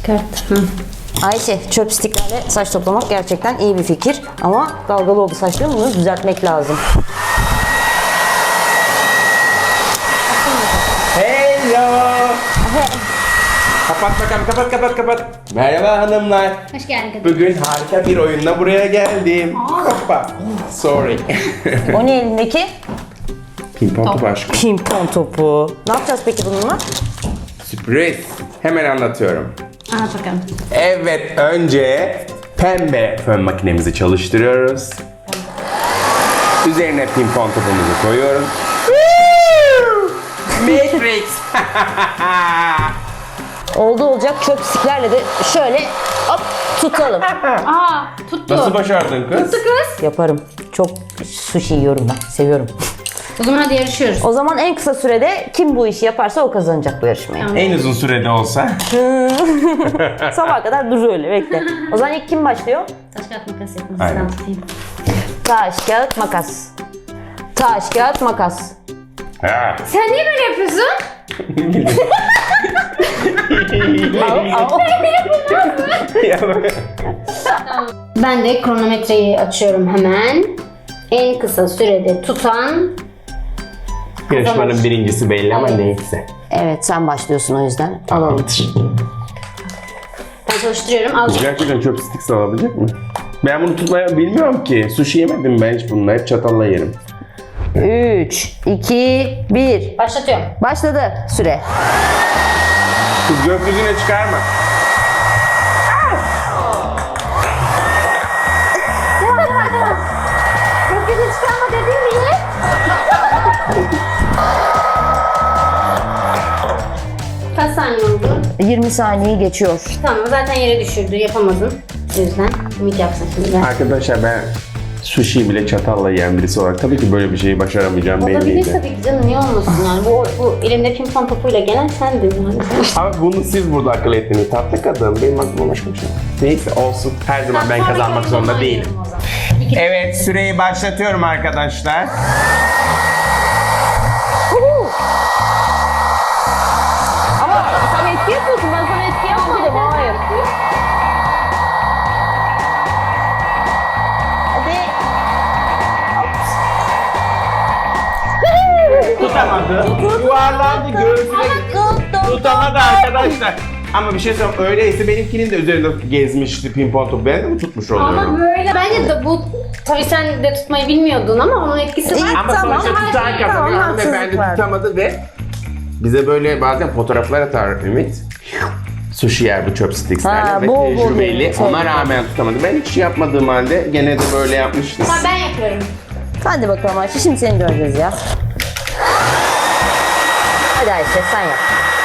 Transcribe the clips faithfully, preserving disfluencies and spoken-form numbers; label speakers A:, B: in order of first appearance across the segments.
A: Çıkart. Hı.
B: Ayşe, chopsticklerle saç toplamak gerçekten iyi bir fikir. Ama dalgalı oldu saçlarım, bunu düzeltmek lazım.
C: Hello. Kapat bakalım, kapat kapat kapat. Merhaba hanımlar.
A: Hoş geldin kadın.
C: Bugün harika bir oyunla buraya geldim. Hoppa. Sorry.
B: O ne elindeki?
C: Pimpon topu aşkım.
B: Pimpon topu. Ne yapacağız peki bununla?
C: Sürpriz. Hemen anlatıyorum.
A: Anlat bakalım.
C: Evet, önce pembe fön makinemizi çalıştırıyoruz. Üzerine pimpon topumuzu koyuyoruz. Matrix.
B: Oldu olacak chopsticklerle de şöyle hop tutalım.
A: Aa, tuttu.
C: Nasıl başardın kız?
A: Tuttu kız.
B: Yaparım. Çok sushi yiyorum ben. Seviyorum.
A: O zaman hadi yarışıyoruz.
B: O zaman en kısa sürede kim bu işi yaparsa o kazanacak bu yarışmayı.
A: Tamam.
C: En uzun sürede olsa.
B: Sabaha kadar dur öyle bekle. O zaman ilk kim başlıyor?
A: Taş kağıt makas yapın.
C: Aynen.
A: Sıram tutayım.
B: Taş, kağıt, makas. Taş, kağıt, makas.
C: Ha.
A: Sen niye böyle yapıyorsun?
B: Au, au.
A: Ben de kronometreyi açıyorum hemen. En kısa sürede tutan...
C: Yarışmanın birincisi belli ama
A: Evet.
C: neyse.
B: Evet sen başlıyorsun o yüzden. Alalım.
A: Ben çalıştırıyorum. Az
C: Gerçekten chopstick sağlayabilecek mi? Ben bunu tutmayı bilmiyorum ki. Sushi yemedim ben hiç bununla. Hep çatalla yerim.
B: üç, iki, bir.
A: başlatıyorum.
B: Başladı süre.
C: Kız gökyüzüne çıkarma.
A: Gökyüzü çıkarma dedim mi? Kaç saniye oldu?
B: yirmi saniye geçiyor.
A: Tamam, zaten yere düşürdü. Yapamadın. O yüzden ümit yapsın şimdi. Ben.
C: Arkadaşlar ben sushi bile çatalla yiyen birisi olarak tabii ki böyle bir şeyi başaramayacağım
A: Olabilir
C: belliydi.
A: tabii ki canım, niye olmasın yani. Bu, bu elimde pimpon topuyla gelen sendin yani.
C: Ama bunu siz burada akıl ettiniz. Tatlı kadın. Benim aklıma başka bir şey. Neyse olsun. Her zaman ben kazanmak zorunda değilim. Evet, süreyi başlatıyorum arkadaşlar.
B: Ama sen etki yapıyorsun. Ben sana etki yapmadım. Hayır. Hadi.
C: Tutamadı. Yuvarlandı göğsüne. Tutamadı arkadaşlar. Ama bir şey söyleyeyim. Öyleyse benimkinin de üzerinde gezmişti pimpon topu. Ben de mi tutmuş oluyorum?
A: Ama böyle bence de bu, tabii sen de tutmayı bilmiyordun ama onun etkisi var.
C: Ama
B: Tamam,
C: sonuçta
A: her
C: tutan
A: şey-
C: kazanıyor.
B: tamam,
C: Hanımefendi
B: haksızlık var.
C: tutamadı ve bize böyle bazen fotoğraflar atar Ümit. Sushi yer bu chopstickslerle
B: Ha,
C: ve
B: bol bol
C: tecrübeli.
B: yemek,
C: Ona
B: evet.
C: rağmen tutamadı. Ben hiç yapmadığım halde gene de böyle yapmıştım.
A: Tamam, ben yapıyorum.
B: Hadi bakalım Ayşe. Şimdi seni göreceğiz ya. Hadi Ayşe sen yap.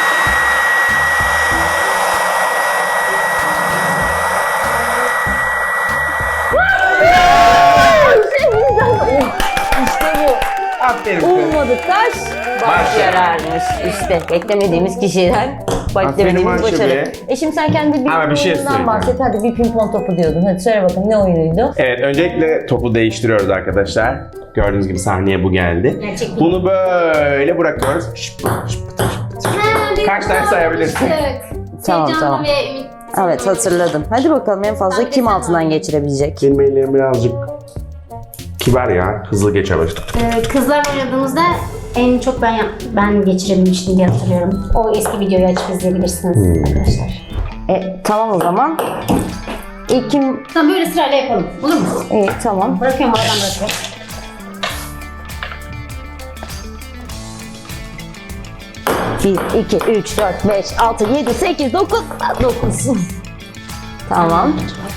B: İşte bu.
C: Aferin kız.
B: Ummadık taş baş
C: Baş
B: yararmış. İşte beklemediğimiz kişiden
C: Aferin
B: beklemediğimiz
C: Ayşe
B: başarı.
C: be.
B: E şimdi sen kendi bir
C: Ama bir şey
B: oyunundan
C: söyleyeceğim.
B: bahset. Hadi bir pimpon topu diyordun. Hadi söyle bakalım ne oyunuydu?
C: Evet, öncelikle topu değiştiriyoruz arkadaşlar. Gördüğünüz gibi sahneye bu geldi.
A: Gerçek bir-
C: Bunu böyle bırakıyoruz. Şıp, şıp. Kaç tane sayabilirsin?
B: Tamam,
A: Heyecanlı
B: tamam.
A: ve ümit.
B: Evet hatırladım. Hadi bakalım en fazla
A: Ben de
B: kim
A: sen
B: altından
A: oynayayım.
B: geçirebilecek?
C: Benim ellerim birazcık kibar ya. Hızlı geçemez.
A: Ee, kızlar oynadığımızda en çok ben yap- ben geçirebilmiştim diye hatırlıyorum. O eski videoyu açıp izleyebilirsiniz
C: Hmm.
A: arkadaşlar.
B: E, tamam o zaman. İlk kim?
A: Tamam, böyle sırayla yapalım. Olur mu?
B: İyi tamam.
A: Bırakıyorum, oradan bırakıyorum.
B: bir, iki, üç, dört, beş, altı, yedi, sekiz, dokuz. dokuz. Tamam.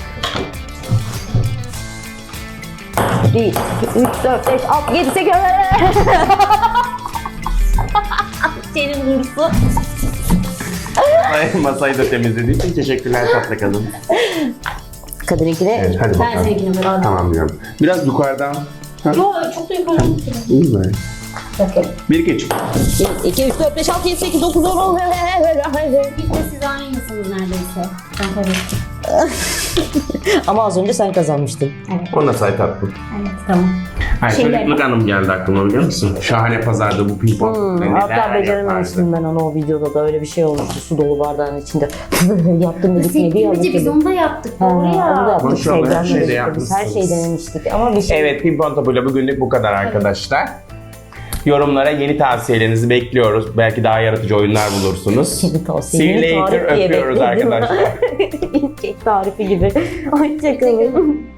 B: bir, iki, üç, dört, beş, altı, yedi, sekiz. Senin hırsı.
C: Masayı da temizlediği için teşekkürler tatlı kadın.
B: Kadınınkine
C: Evet, hadi
A: Ben
C: bakalım.
A: seninkini böyle aldım.
C: Tamam diyorum. Biraz yukarıdan. Ha,
A: Yo, çok da yukarı.
C: iyi mi?
A: Bakın.
C: bir iki üç.
B: bir, iki, üç, dört, beş, altı, yedi, sekiz, dokuz, on.
A: Bir de siz aynısınız neredeyse. Ben kaybettim.
B: Ama az önce sen kazanmıştın.
A: Evet.
C: O nasıl ay tatlım?
A: Evet tamam.
C: Ay
A: Şeyler-
C: çocukluk anım geldi aklıma biliyor musun? Şahane pazarda bu ping pong.
B: Hmm,
C: neler
B: hatta becerememiştim ben onu o videoda da öyle bir şey olmuştu su dolu bardağın içinde. Yaptım dedik ne diye
A: Sektirmece biz onu da yaptık.
B: Ha,
A: Doğru
B: onu da
A: ya.
B: yaptık.
C: Maşallah, her
B: Sevden
C: şeyi de
B: denemiştik. Biz her
C: yapmışsınız.
B: şeyi denemiştik ama bir şey.
C: Evet, ping pong topuyla bugünlük bu kadar arkadaşlar. Yorumlara yeni tavsiyelerinizi bekliyoruz. Belki daha yaratıcı oyunlar bulursunuz.
B: Yeni tavsiye,
C: See you
B: yeni
C: later.
B: tarif diye
C: Öpüyoruz
B: bekledim.
C: arkadaşlar.
B: Kek tarifi gibi. Hoşçakalın.